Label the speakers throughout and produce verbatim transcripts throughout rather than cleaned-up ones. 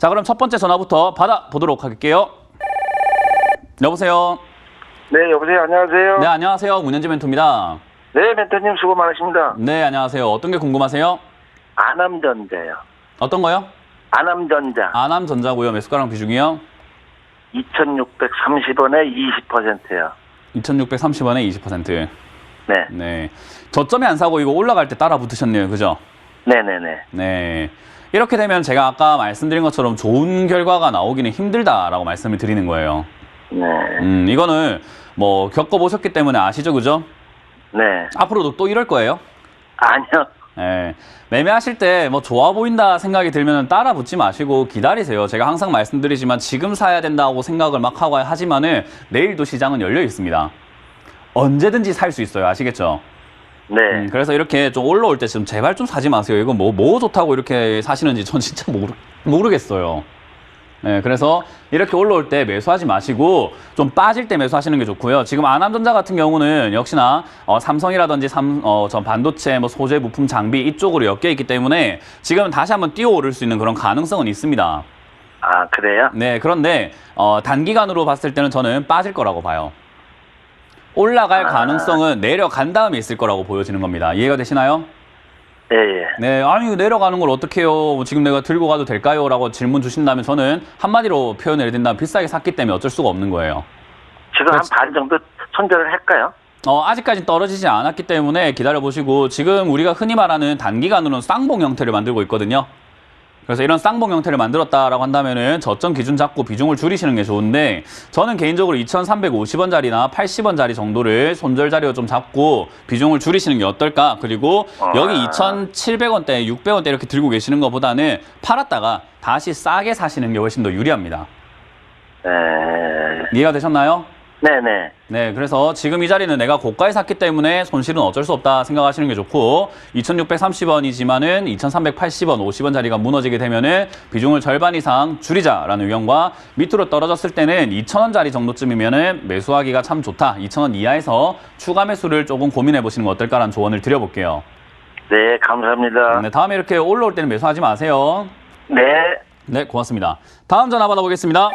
Speaker 1: 자, 그럼 첫 번째 전화부터 받아보도록 할게요. 여보세요.
Speaker 2: 네, 여보세요. 안녕하세요.
Speaker 1: 네, 안녕하세요. 문현지 멘토입니다.
Speaker 2: 네, 멘토님 수고 많으십니다.
Speaker 1: 네, 안녕하세요. 어떤 게 궁금하세요?
Speaker 2: 아남전자요.
Speaker 1: 어떤 거요?
Speaker 2: 아남전자.
Speaker 1: 아남전자고요. 매수가랑 비중이요?
Speaker 2: 이천육백삼십 원에 이십 퍼센트요.
Speaker 1: 이천육백삼십 원에 이십 퍼센트.
Speaker 2: 네.
Speaker 1: 네. 저점에 안 사고 이거 올라갈 때 따라 붙으셨네요. 그죠?
Speaker 2: 네네네.
Speaker 1: 네. 이렇게 되면 제가 아까 말씀드린 것처럼 좋은 결과가 나오기는 힘들다라고 말씀을 드리는 거예요.
Speaker 2: 네.
Speaker 1: 음, 이거는 뭐 겪어보셨기 때문에 아시죠? 그죠?
Speaker 2: 네.
Speaker 1: 앞으로도 또 이럴 거예요.
Speaker 2: 아니요.
Speaker 1: 예, 매매하실 때 뭐 좋아 보인다 생각이 들면 따라 붙지 마시고 기다리세요. 제가 항상 말씀드리지만 지금 사야 된다고 생각을 막 하고 하지만은 내일도 시장은 열려 있습니다. 언제든지 살 수 있어요. 아시겠죠?
Speaker 2: 네.
Speaker 1: 음, 그래서 이렇게 좀 올라올 때 좀 제발 좀 사지 마세요. 이거 뭐, 뭐 좋다고 이렇게 사시는지 전 진짜 모르, 모르겠어요. 네, 그래서 이렇게 올라올 때 매수하지 마시고 좀 빠질 때 매수하시는 게 좋고요. 지금 아남전자 같은 경우는 역시나 어, 삼성이라든지 삼, 어, 전 반도체, 뭐 소재, 부품, 장비 이쪽으로 엮여 있기 때문에 지금 다시 한번 뛰어오를 수 있는 그런 가능성은 있습니다.
Speaker 2: 아, 그래요?
Speaker 1: 네, 그런데 어, 단기간으로 봤을 때는 저는 빠질 거라고 봐요. 올라갈
Speaker 2: 아.
Speaker 1: 가능성은 내려간 다음에 있을 거라고 보여지는 겁니다. 이해가 되시나요?
Speaker 2: 예, 예.
Speaker 1: 네, 아니 내려가는 걸 어떻게 해요? 지금 내가 들고 가도 될까요? 라고 질문 주신다면 저는 한마디로 표현을 드린다면 비싸게 샀기 때문에 어쩔 수가 없는 거예요.
Speaker 2: 지금 한 반 정도 손절을 할까요?
Speaker 1: 어, 아직까지 떨어지지 않았기 때문에 기다려보시고 지금 우리가 흔히 말하는 단기간으로는 쌍봉 형태를 만들고 있거든요. 그래서 이런 쌍봉 형태를 만들었다라고 한다면은 저점 기준 잡고 비중을 줄이시는 게 좋은데 저는 개인적으로 이천삼백오십 원짜리나 팔십 원짜리 정도를 손절 자리로 좀 잡고 비중을 줄이시는 게 어떨까? 그리고 여기 이천칠백 원대, 육백 원대 이렇게 들고 계시는 것보다는 팔았다가 다시 싸게 사시는 게 훨씬 더 유리합니다.
Speaker 2: 네.
Speaker 1: 이해가 되셨나요?
Speaker 2: 네네.
Speaker 1: 네, 그래서 지금 이 자리는 내가 고가에 샀기 때문에 손실은 어쩔 수 없다 생각하시는 게 좋고 이천육백삼십 원이지만은 이천삼백팔십 원, 오십 원 자리가 무너지게 되면은 비중을 절반 이상 줄이자라는 의견과 밑으로 떨어졌을 때는 이천 원짜리 정도쯤이면은 매수하기가 참 좋다. 이천 원 이하에서 추가 매수를 조금 고민해 보시는 거 어떨까라는 조언을 드려볼게요.
Speaker 2: 네, 감사합니다.
Speaker 1: 네, 다음에 이렇게 올라올 때는 매수하지 마세요.
Speaker 2: 네.
Speaker 1: 네, 고맙습니다. 다음 전화 받아보겠습니다.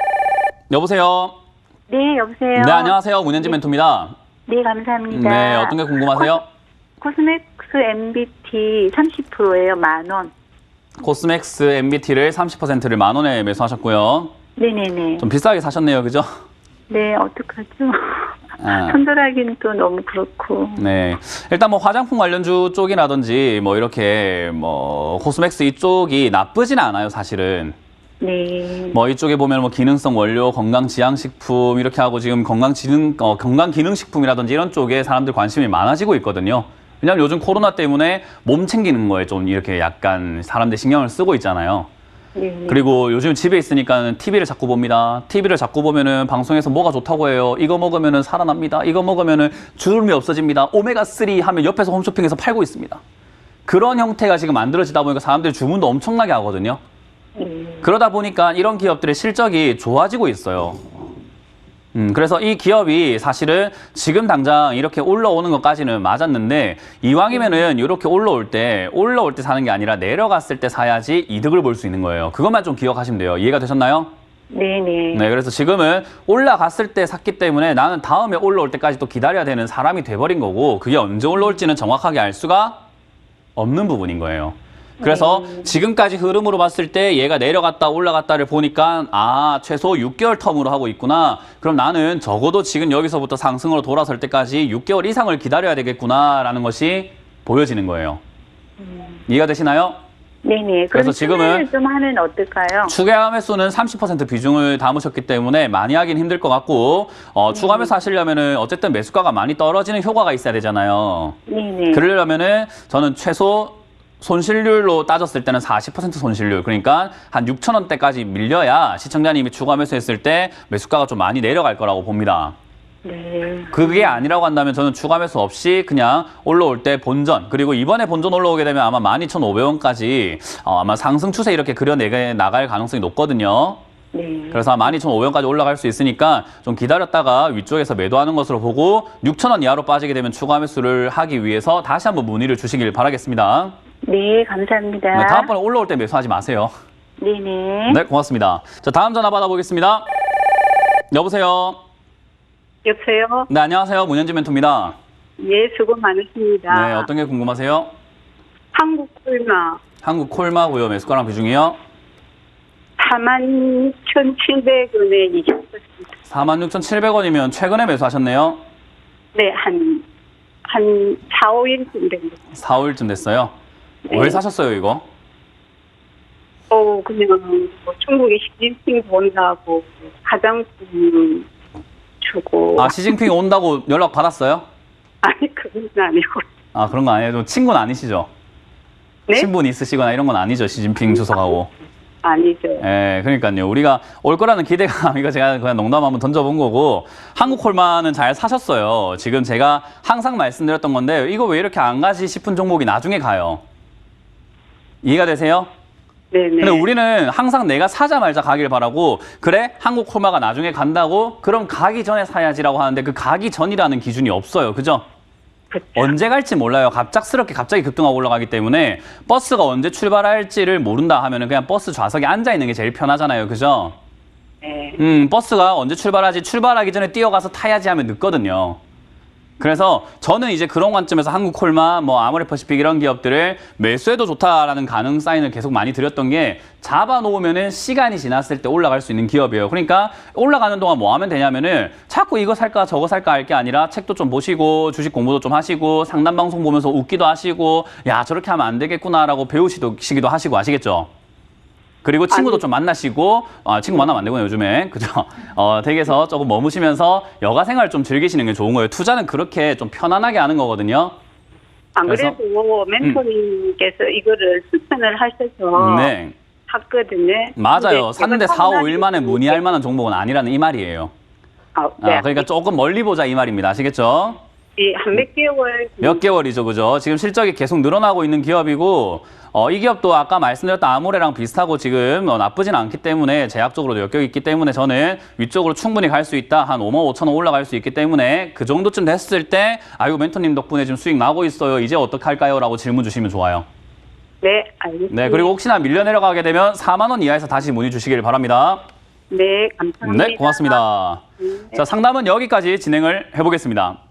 Speaker 1: 여보세요.
Speaker 3: 네, 여보세요.
Speaker 1: 네, 안녕하세요. 문현지 멘토입니다.
Speaker 3: 네, 감사합니다.
Speaker 1: 네, 어떤 게 궁금하세요?
Speaker 3: 코스맥스 엠비티 삼십 퍼센트예요, 만 원.
Speaker 1: 코스맥스 엠비티를 삼십 퍼센트를 만 원에 매수하셨고요.
Speaker 3: 네네네.
Speaker 1: 좀 비싸게 사셨네요, 그죠?
Speaker 3: 네, 어떡하죠?
Speaker 1: 아.
Speaker 3: 손절하기는 또 너무 그렇고.
Speaker 1: 네. 일단 뭐 화장품 관련주 쪽이라든지 뭐 이렇게 뭐 코스맥스 이쪽이 나쁘지는 않아요, 사실은.
Speaker 3: 네.
Speaker 1: 뭐 이쪽에 보면 뭐 기능성 원료, 건강 지향식품 이렇게 하고 지금 건강 지능 어, 건강 기능식품이라든지 이런 쪽에 사람들 관심이 많아지고 있거든요. 왜냐하면 요즘 코로나 때문에 몸 챙기는 거에 좀 이렇게 약간 사람들 신경을 쓰고 있잖아요.
Speaker 3: 네.
Speaker 1: 그리고 요즘 집에 있으니까 티비를 자꾸 봅니다. 티비를 자꾸 보면은 방송에서 뭐가 좋다고 해요. 이거 먹으면은 살아납니다. 이거 먹으면은 주름이 없어집니다. 오메가삼 하면 옆에서 홈쇼핑에서 팔고 있습니다. 그런 형태가 지금 만들어지다 보니까 사람들이 주문도 엄청나게 하거든요.
Speaker 3: 네.
Speaker 1: 그러다 보니까 이런 기업들의 실적이 좋아지고 있어요. 음, 그래서 이 기업이 사실은 지금 당장 이렇게 올라오는 것까지는 맞았는데 이왕이면은 이렇게 올라올 때 올라올 때 사는 게 아니라 내려갔을 때 사야지 이득을 볼 수 있는 거예요. 그것만 좀 기억하시면 돼요. 이해가 되셨나요?
Speaker 3: 네네.
Speaker 1: 네, 그래서 지금은 올라갔을 때 샀기 때문에 나는 다음에 올라올 때까지 또 기다려야 되는 사람이 돼버린 거고 그게 언제 올라올지는 정확하게 알 수가 없는 부분인 거예요. 그래서 지금까지 흐름으로 봤을 때 얘가 내려갔다 올라갔다를 보니까 아 최소 육 개월 텀으로 하고 있구나. 그럼 나는 적어도 지금 여기서부터 상승으로 돌아설 때까지 육 개월 이상을 기다려야 되겠구나라는 것이 보여지는 거예요.
Speaker 3: 음.
Speaker 1: 이해가 되시나요?
Speaker 3: 네네.
Speaker 1: 그래서 지금은
Speaker 3: 좀 하면 어떨까요?
Speaker 1: 추가 매수는 삼십 퍼센트 비중을 담으셨기 때문에 많이 하긴 힘들 것 같고 어, 추가 매수 하시려면은 어쨌든 매수가가 많이 떨어지는 효과가 있어야 되잖아요.
Speaker 3: 네네.
Speaker 1: 그러려면은 저는 최소 손실률로 따졌을 때는 사십 퍼센트 손실률, 그러니까 한 육천 원대까지 밀려야 시청자님이 추가 매수했을 때 매수가가 좀 많이 내려갈 거라고 봅니다.
Speaker 3: 네.
Speaker 1: 그게 아니라고 한다면 저는 추가 매수 없이 그냥 올라올 때 본전, 그리고 이번에 본전 올라오게 되면 아마 만 이천오백 원까지 어, 아마 상승 추세 이렇게 그려내 나갈 가능성이 높거든요.
Speaker 3: 네.
Speaker 1: 그래서 만 이천오백 원까지 올라갈 수 있으니까 좀 기다렸다가 위쪽에서 매도하는 것으로 보고 육천 원 이하로 빠지게 되면 추가 매수를 하기 위해서 다시 한번 문의를 주시길 바라겠습니다.
Speaker 3: 네, 감사합니다.
Speaker 1: 네, 다음번에 올라올 때 매수하지 마세요.
Speaker 3: 네네.
Speaker 1: 네, 고맙습니다. 자, 다음 전화 받아보겠습니다. 여보세요.
Speaker 3: 여보세요?
Speaker 1: 네, 안녕하세요. 문현지 멘토입니다.
Speaker 3: 예, 수고 많으십니다.
Speaker 1: 네, 어떤 게 궁금하세요?
Speaker 3: 한국 콜마
Speaker 1: 한국 콜마고요. 매수가랑 비중이요?
Speaker 3: 사만 육천칠백 원에 이겼습니다.
Speaker 1: 사만 육천칠백 원이면 최근에 매수하셨네요.
Speaker 3: 네, 한, 한 사, 오 일쯤 됩니다.
Speaker 1: 사, 오 일쯤 됐어요.
Speaker 3: 네.
Speaker 1: 왜 사셨어요, 이거?
Speaker 3: 어, 그냥 뭐 중국에 시진핑 본다고 화장품 주고.
Speaker 1: 아, 시진핑 온다고 연락 받았어요?
Speaker 3: 아니, 그건 아니고.
Speaker 1: 아, 그런 거 아니에요? 좀 친구는 아니시죠?
Speaker 3: 네?
Speaker 1: 친분 있으시거나 이런 건 아니죠, 시진핑 주석하고.
Speaker 3: 아니죠.
Speaker 1: 예, 그러니까요. 우리가 올 거라는 기대감, 이거 제가 그냥 농담 한번 던져본 거고, 한국 콜마는 잘 사셨어요. 지금 제가 항상 말씀드렸던 건데, 이거 왜 이렇게 안 가지 싶은 종목이 나중에 가요. 이해가 되세요?
Speaker 3: 네네.
Speaker 1: 근데 우리는 항상 내가 사자 말자 가길 바라고, 그래? 한국 콜마가 나중에 간다고? 그럼 가기 전에 사야지라고 하는데, 그 가기 전이라는 기준이 없어요. 그죠?
Speaker 3: 그쵸.
Speaker 1: 언제 갈지 몰라요. 갑작스럽게 갑자기 급등하고 올라가기 때문에 버스가 언제 출발할지를 모른다 하면은 그냥 버스 좌석에 앉아 있는 게 제일 편하잖아요. 그죠?
Speaker 3: 네.
Speaker 1: 음, 버스가 언제 출발하지 출발하기 전에 뛰어가서 타야지 하면 늦거든요. 그래서 저는 이제 그런 관점에서 한국콜마, 뭐 아모레퍼시픽 이런 기업들을 매수해도 좋다라는 가능 사인을 계속 많이 드렸던 게 잡아놓으면은 시간이 지났을 때 올라갈 수 있는 기업이에요. 그러니까 올라가는 동안 뭐 하면 되냐면은 자꾸 이거 살까 저거 살까 할 게 아니라 책도 좀 보시고 주식 공부도 좀 하시고 상담 방송 보면서 웃기도 하시고 야 저렇게 하면 안 되겠구나라고 배우시기도 하시고 아시겠죠? 그리고 친구도
Speaker 3: 아니.
Speaker 1: 좀 만나시고, 아, 친구 만나면 안 되구나, 요즘에. 그죠? 어, 댁에서 조금 머무시면서 여가 생활 좀 즐기시는 게 좋은 거예요. 투자는 그렇게 좀 편안하게 하는 거거든요.
Speaker 3: 안
Speaker 1: 그래서?
Speaker 3: 그래도 멘토님께서 이거를 추천을 하셔서
Speaker 1: 네.
Speaker 3: 샀거든요.
Speaker 1: 맞아요.
Speaker 3: 근데
Speaker 1: 샀는데
Speaker 3: 제가
Speaker 1: 사,
Speaker 3: 사고
Speaker 1: 오 일 만에
Speaker 3: 나서
Speaker 1: 문의할 만한 종목은 아니라는 이 말이에요.
Speaker 3: 아, 네.
Speaker 1: 아, 그러니까 조금 멀리 보자 이 말입니다. 아시겠죠?
Speaker 3: 한 몇 개월
Speaker 1: 몇 개월이죠, 그죠? 지금 실적이 계속 늘어나고 있는 기업이고, 어, 이 기업도 아까 말씀드렸던 아모레랑 비슷하고 지금 어, 나쁘진 않기 때문에 제약적으로도 역격이 있기 때문에 저는 위쪽으로 충분히 갈 수 있다. 한 오만 오천 원 올라갈 수 있기 때문에 그 정도쯤 됐을 때, 아이고, 멘토님 덕분에 지금 수익 나고 있어요. 이제 어떻게 할까요? 라고 질문 주시면 좋아요.
Speaker 3: 네, 알겠습니다.
Speaker 1: 네, 그리고 혹시나 밀려 내려가게 되면 사만 원 이하에서 다시 문의 주시길 바랍니다.
Speaker 3: 네, 감사합니다.
Speaker 1: 네, 고맙습니다. 자, 상담은 여기까지 진행을 해보겠습니다.